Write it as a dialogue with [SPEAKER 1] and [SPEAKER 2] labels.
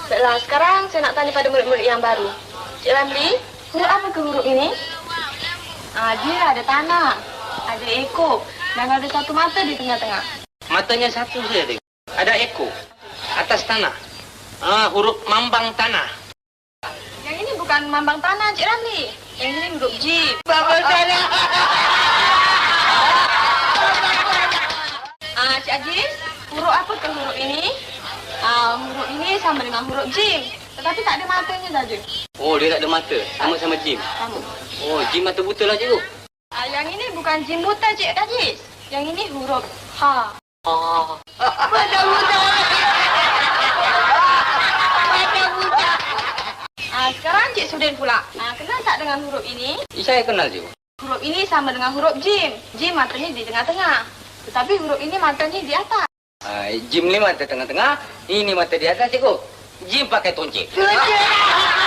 [SPEAKER 1] Baiklah, sekarang saya nak tanya pada murid-murid yang baru. Cik Ramli, huruf apa ke huruf ini? Dia ada tanah, ada ekor, dan ada satu mata di tengah-tengah.
[SPEAKER 2] Matanya satu saja, tengok. Ada ekor. Atas tanah. Huruf mambang tanah.
[SPEAKER 1] Yang ini bukan mambang tanah, Cik Ramli. Yang ini huruf jim.
[SPEAKER 2] Mambang tanah.
[SPEAKER 1] Cik Ajis, huruf apa ke huruf ini? Huruf ini sama dengan huruf jim, tetapi tak ada matanya saja.
[SPEAKER 2] Oh, dia tak ada mata. Sama-sama jim.
[SPEAKER 1] Sama.
[SPEAKER 2] Oh, jim mata buta lah, cikgu.
[SPEAKER 1] Yang ini bukan jim buta, Cik Ajis. Yang ini huruf ha.
[SPEAKER 2] Mata buta. Mata buta.
[SPEAKER 1] Sekarang Cik Sudin pula. Kenal tak dengan huruf ini?
[SPEAKER 2] Saya kenal, cikgu.
[SPEAKER 1] Huruf ini sama dengan huruf jim. Jim matanya di tengah-tengah. Tetapi huruf ini matanya di atas.
[SPEAKER 2] Jim ni mata tengah-tengah, ini mata di atas, cikgu. Jim pakai tonceng.